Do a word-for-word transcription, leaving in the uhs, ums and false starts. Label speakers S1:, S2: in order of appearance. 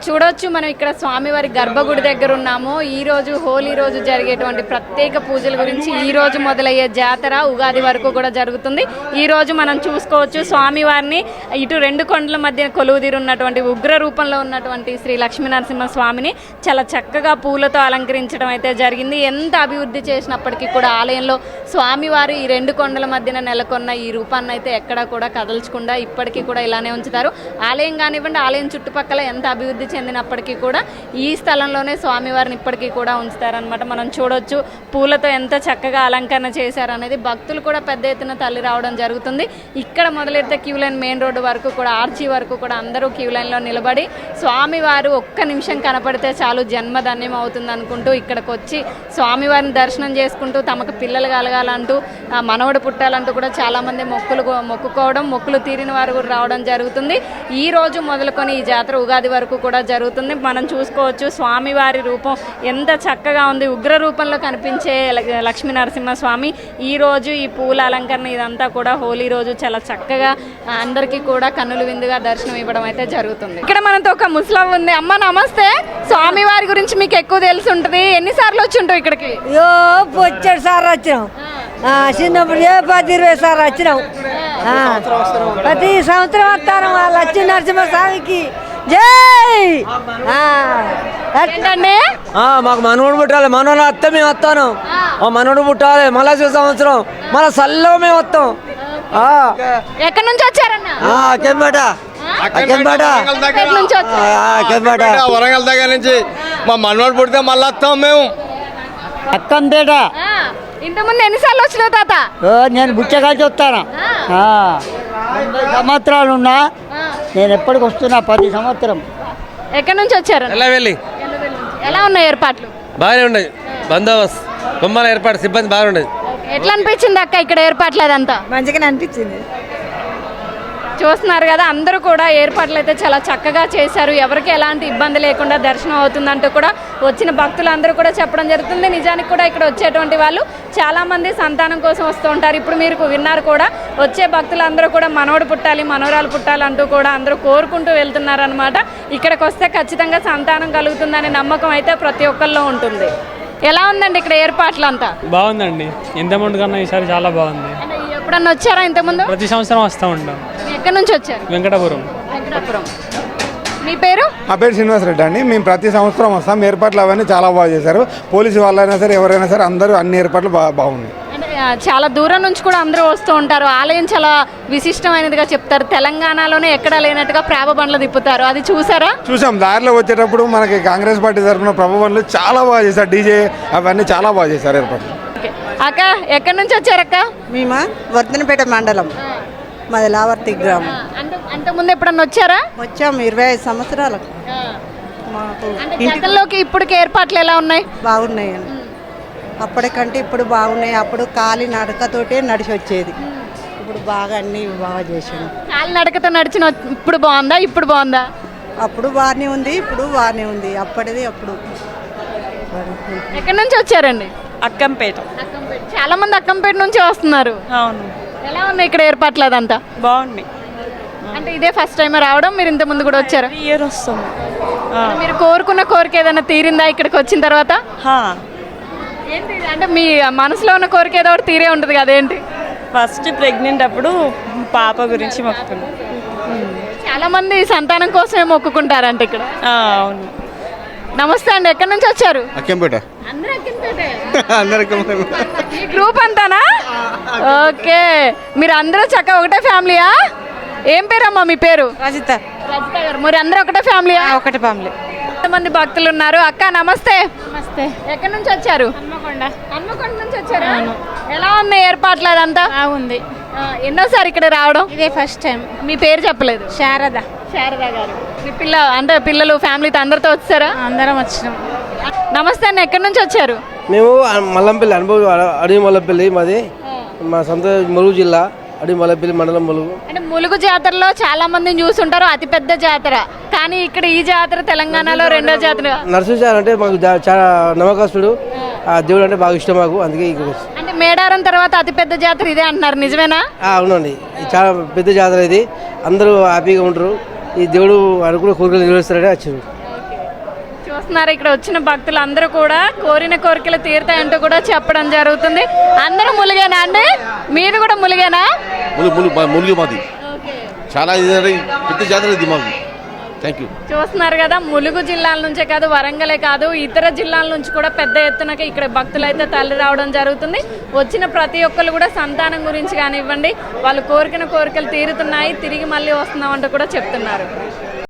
S1: చూడొచ్చు మనం ఇక్కడ స్వామివారి గర్భగుడి దగ్గర ఉన్నాము. ఈ రోజు హోలీ రోజు జరిగేటువంటి ప్రత్యేక పూజల గురించి ఈ రోజు మొదలయ్యే జాతర ఉగాది వరకు కూడా జరుగుతుంది. ఈ రోజు మనం చూసుకోవచ్చు స్వామివారిని ఇటు రెండు కొండల మధ్య కొలువుదీరు ఉన్నటువంటి ఉగ్ర రూపంలో ఉన్నటువంటి శ్రీ లక్ష్మీనరసింహ స్వామిని చాలా చక్కగా పూలతో అలంకరించడం అయితే జరిగింది. ఎంత అభివృద్ధి చేసినప్పటికీ కూడా ఆలయంలో స్వామివారు ఈ రెండు కొండల మధ్యన నెలకొన్న ఈ రూపాన్ని అయితే ఎక్కడా కూడా కదల్చకుండా ఇప్పటికీ కూడా ఇలానే ఉంచుతారు. ఆలయం కానివ్వండి, ఆలయం చుట్టుపక్కల ఎంత అభివృద్ధి చెందినప్పటికీ కూడా ఈ స్థలంలోనే స్వామివారిని ఇప్పటికీ కూడా ఉంచుతారనమాట. మనం చూడొచ్చు పూలతో ఎంత చక్కగా అలంకరణ చేశారనేది. భక్తులు కూడా పెద్ద ఎత్తున తల్లి రావడం జరుగుతుంది. ఇక్కడ మొదలెడితే క్యూ లైన్ మెయిన్ రోడ్డు వరకు కూడా ఆర్చీ వరకు కూడా అందరూ క్యూ లైన్లో నిలబడి స్వామివారు ఒక్క నిమిషం కనపడితే చాలు జన్మధన్యం అవుతుంది అనుకుంటూ ఇక్కడికి వచ్చి స్వామివారిని దర్శనం చేసుకుంటూ తమకు పిల్లలు కలగాలంటూ మనవడు పుట్టాలంటూ కూడా చాలామంది మొక్కులు మొక్కుకోవడం, మొక్కులు తీరిన వారు కూడా రావడం జరుగుతుంది. ఈ రోజు మొదలుకొని ఈ జాతర ఉగాది వరకు కూడా జరుగుతుంది. మనం చూసుకోవచ్చు స్వామివారి రూపం ఎంత చక్కగా ఉంది. ఉగ్ర రూపంలో కనిపించే లక్ష్మీ నరసింహ స్వామి ఈ రోజు ఈ పూల అలంకరణ ఇదంతా కూడా హోలీ రోజు చాలా చక్కగా అందరికీ కూడా కన్నుల విందుగా దర్శనం ఇవ్వడం అయితే జరుగుతుంది. ఇక్కడ మనతో ఒక ముస్లిం ఉంది. అమ్మ నమస్తే. స్వామివారి గురించి మీకు ఎక్కువ తెలిసి ఉంటుంది. ఎన్నిసార్లు వచ్చి ఉంటావు ఇక్కడికి?
S2: వచ్చాడు సార్ వచ్చినాం, చిన్నప్పుడు ఏ పది ఇరవై సార్లు వచ్చినాం. ప్రతి సంవత్సరం వస్తాను లక్ష్మీ నరసింహ స్వామికి జై.
S1: ఏంటండి
S3: మాకు మనోడు పుట్టాలి, మనోడు వస్తే మేము వస్తాను. మనోడు పుట్టాలి మళ్ళా సంవత్సరం మళ్ళా సల్లో మేము వస్తాం.
S1: ఎక్కడి నుంచి వచ్చారన్న?
S3: అక్కంపేట
S4: వరంగల్ దగ్గర నుంచి మా మనోడు పుడితే మళ్ళీ వస్తాం మేము.
S3: అక్కంపేట.
S1: ఇంతకుముందు ఎన్నిసార్లు వచ్చినావు తాత?
S3: నేను బుచ్చగాల్చి వస్తాను. సంవత్సరాలు ఉన్నా నేను ఎప్పటికి వస్తున్నా ప్రతి సంవత్సరం.
S1: ఎక్కడి నుంచి వచ్చారు? ఎలా ఉన్నాయి ఏర్పాట్లు?
S5: బాగానే ఉన్నాయి. బందోబస్తు బొమ్మల ఏర్పాటు సిబ్బంది బాగుండేది.
S1: ఎట్లా అనిపించింది అక్క ఇక్కడ ఏర్పాట్లు అదంతా?
S2: మంచిగానే అనిపించింది.
S1: చూస్తున్నారు కదా, అందరూ కూడా ఏర్పాట్లు అయితే చాలా చక్కగా చేశారు. ఎవరికి ఎలాంటి ఇబ్బంది లేకుండా దర్శనం అవుతుందంటూ కూడా వచ్చిన భక్తులందరూ కూడా చెప్పడం జరుగుతుంది. నిజానికి కూడా ఇక్కడ వచ్చేటువంటి వాళ్ళు చాలామంది సంతానం కోసం వస్తూ ఉంటారు. ఇప్పుడు మీరు విన్నారు కూడా, వచ్చే భక్తులందరూ కూడా మనోడు పుట్టాలి, మనోరాలు పుట్టాలి అంటూ కూడా అందరూ కోరుకుంటూ వెళ్తున్నారనమాట. ఇక్కడికి వస్తే ఖచ్చితంగా సంతానం కలుగుతుందనే నమ్మకం అయితే ప్రతి ఒక్కరిలో ఉంటుంది. ఎలా ఉందండి ఇక్కడ ఏర్పాట్లు అంతా?
S6: బాగుందండి. ఇంత ముందు కన్నా ఈసారి చాలా బాగుంది.
S1: ఎప్పుడన్నా వచ్చారా ఇంతకుముందు?
S6: ప్రతి సంవత్సరం వస్తూ ఉంటాం.
S1: ఎక్కడి నుంచి వచ్చారు?
S6: వెంకటపురం.
S1: వెంకటపురం. మీ పేరు?
S7: మా పేరు శ్రీనివాస్ రెడ్డి అండి. మేము ప్రతి సంవత్సరం వస్తాం. ఏర్పాట్లు అవన్నీ చాలా బాగా చేశారు. పోలీసు వాళ్ళైనా సరే ఎవరైనా సరే అందరూ అన్ని ఏర్పాట్లు బాగా బాగున్నాయి.
S1: చాలా దూరం నుంచి కూడా అందరూ వస్తూ ఉంటారు. ఆలయం చాలా విశిష్టమైనదిగా చెప్తారు. తెలంగాణలోనే ఎక్కడా లేనట్టుగా ప్రేమ బండ్లు తిప్పుతారు. అది చూసారా?
S7: చూసాం. దారిలో వచ్చేటప్పుడు మనకి కాంగ్రెస్ పార్టీ తరఫున ప్రభు బండ్లు చాలా బాగా చేశారు. డీజే అవన్నీ చాలా బాగా చేశారు ఏర్పాట్లు.
S1: అక్క ఎక్కడి నుంచి వచ్చారక్క?
S2: మేమా వర్ధనపేట మండలం, మాది లావర్తి గ్రామం.
S1: అంతకుముందు ఎప్పుడన్నా వచ్చారా?
S2: వచ్చాము ఇరవై ఐదు సంవత్సరాలకు. మాకు
S1: గతంలోకి ఇప్పటికి ఏర్పాట్లు ఎలా ఉన్నాయి?
S2: బాగున్నాయండి. అప్పటికంటే ఇప్పుడు బాగున్నాయి. అప్పుడు కాలి నడకతోటే నడిచి వచ్చేది. ఇప్పుడు బాగా అన్ని బాగా చేసాను.
S1: కాలి నడకతో నడిచిన ఇప్పుడు బాగుందా? ఇప్పుడు బాగుందా?
S2: అప్పుడు బాగానే ఉంది, ఇప్పుడు బాగానే ఉంది. అప్పటిది అప్పుడు.
S1: ఎక్కడి నుంచి వచ్చారండి?
S8: అక్కంపేట.
S1: చాలా మంది అక్కంపేట నుంచి వస్తున్నారు.
S8: అవును.
S1: ఎలా ఉన్నాయి ఇక్కడ ఏర్పాట్లు అదంతా?
S8: బాగున్నాయి.
S1: అంటే ఇదే ఫస్ట్ టైం రావడం? మీరు ఇంత ముందు కూడా వచ్చారా?
S8: ఇయర్ వస్తాం.
S1: మీరు కోరుకున్న కోరిక ఏదైనా తీరిందా ఇక్కడికి వచ్చిన తర్వాత? ఏంటి అంటే మీ మనసులో ఉన్న కోరిక ఏదో ఒకటి తీరే ఉంటుంది కదా, ఏంటి?
S8: ఫస్ట్ ప్రెగ్నెంట్ అప్పుడు పాప గురించి మొక్కుకున్నాం.
S1: చాలా మంది సంతానం కోసమే మొక్కుకుంటారంట ఇక్కడ.
S8: అవును.
S1: నమస్తే అండి. ఎక్కడి నుంచి వచ్చారు?
S4: అక్కంపేట.
S1: ఈ గ్రూప్ అంతానా? ఓకే. మీరు అందరూ చక్కగా ఒకటే ఫ్యామిలీయా? ఏం పేరమ్మా మీ పేరు?
S2: రజిత.
S1: రజిత గారు. మరి అందరూ ఒకటే ఫ్యామిలీయా?
S2: ఒకటే ఫ్యామిలీ.
S1: ఎంతమంది భక్తులు ఉన్నారు? అక్క నమస్తే.
S9: నమస్తే.
S1: ఎక్కడి నుంచి వచ్చారు?
S9: హన్మకొండ.
S1: హన్మకొండ నుంచి వచ్చారు. ఎలా ఉన్నాయి ఏర్పాట్లు అదంతా?
S9: బాగుంది.
S1: ఎన్నోసారి ఇక్కడ రావడం?
S9: ఇదే ఫస్ట్ టైం.
S1: మీ పేరు చెప్పలేదు.
S9: శారద.
S1: శారద గారు. మీ పిల్ల అంటే పిల్లలు ఫ్యామిలీతో అందరితో వచ్చారా?
S9: అందరం వచ్చినాం.
S1: నమస్తే అన్న. ఎక్కడి నుంచి వచ్చారు?
S3: మేము మల్లంపల్లి అనుభవం అడవి మల్లంపల్లి మాది. మా సొంత ములుగు జిల్లా అడవి మల్లంపల్లి మండలం ములుగు.
S1: అంటే ములుగు జాతరలో చాలా మందిని చూస్తుంటారు, అతిపెద్ద జాతర. కానీ ఇక్కడ ఈ జాతర తెలంగాణలో రెండో జాతర.
S3: నరసింహ అంటే మాకు చాలా నమ్మకస్తుడు. ఆ దేవుడు అంటే బాగా ఇష్టం మాకు, అందుకే ఇక్కడ.
S1: అంటే మేడారం తర్వాత అతిపెద్ద జాతర ఇదే అంటున్నారు, నిజమేనా?
S3: అవునండి. చాలా పెద్ద జాతర ఇది. అందరూ హ్యాపీగా ఉంటారు. ఈ దేవుడు అనుకున్న కోరికలు నెరవేరుస్తారని వచ్చారు.
S1: చూస్తున్నారు ఇక్కడ వచ్చిన భక్తులు అందరూ కూడా కోరిన కోరికలు తీరుతాయంటూ కూడా చెప్పడం జరుగుతుంది. అందరూ ములిగేనా అండి? మీది కూడా ములిగేనా?
S9: ములిగి మాది చాలా పెద్ద జాతర ఇది మాకు. Thank you.
S1: చూస్తున్నారు కదా, ములుగు జిల్లాల నుంచే కాదు, వరంగలే కాదు, ఇతర జిల్లాల నుంచి కూడా పెద్ద ఎత్తున ఇక్కడ భక్తులు అయితే తరలి రావడం జరుగుతుంది. వచ్చిన ప్రతి ఒక్కరు కూడా సంతానం గురించి కానివ్వండి, వాళ్ళు కోరికన కోరికలు తీరుతున్నాయి, తిరిగి మళ్ళీ వస్తున్నామంటూ కూడా చెప్తున్నారు.